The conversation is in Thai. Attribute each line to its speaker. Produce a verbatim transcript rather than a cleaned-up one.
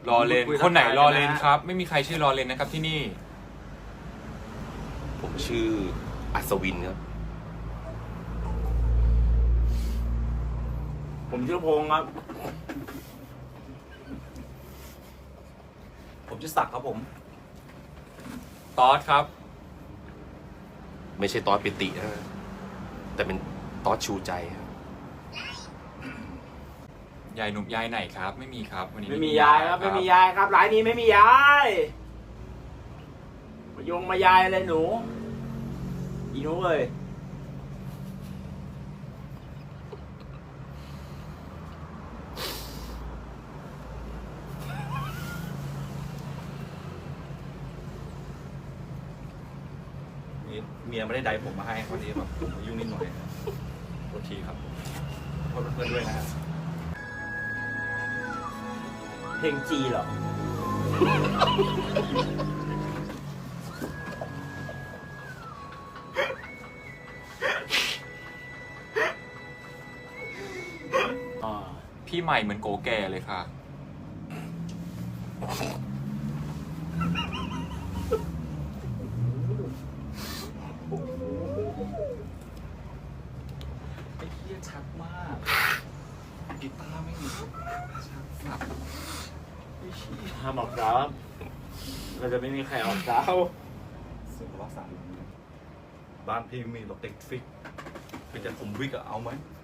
Speaker 1: รอเลนคนไหนรอเลนครับ ไม่มีใครชื่อรอเลนนะครับที่นี่
Speaker 2: ผมชื่ออัศวินครับ
Speaker 3: ผมชื่อพงษ์ครับผมชื่อศักดิ์ครับผม
Speaker 1: ตอสครับ
Speaker 2: ไม่ใช่ตอสปิตินะแต่เป็นตอสชูใจครับ
Speaker 1: ยายหนุ่มยายไหนครับไม่มีครับวันนี้
Speaker 3: ไม่มียายครับไม่มียายครับร้านนี้ไม่มียายมายงมายายอะไรหนูอีหนูเลยเมียไม่ได้ไดผมมาให้พอดีแบบยุ่งนิดหน่อยโทษทีครับขอโทษเพื่อนด้วยนะเพลงจีเหรอ
Speaker 1: พี่ใหม่เหมือนโกแก่เลยค่ะ
Speaker 3: ไอ้เหี้ยชัดมากกีตาร์ไม่มีชัดสับห้ามออกดาวเราจะไม่มีใครออกดาวสุดว่าสามบ้านพี่มีรถติดฟิกเป็นแต่ผมวิกอะเอาไหม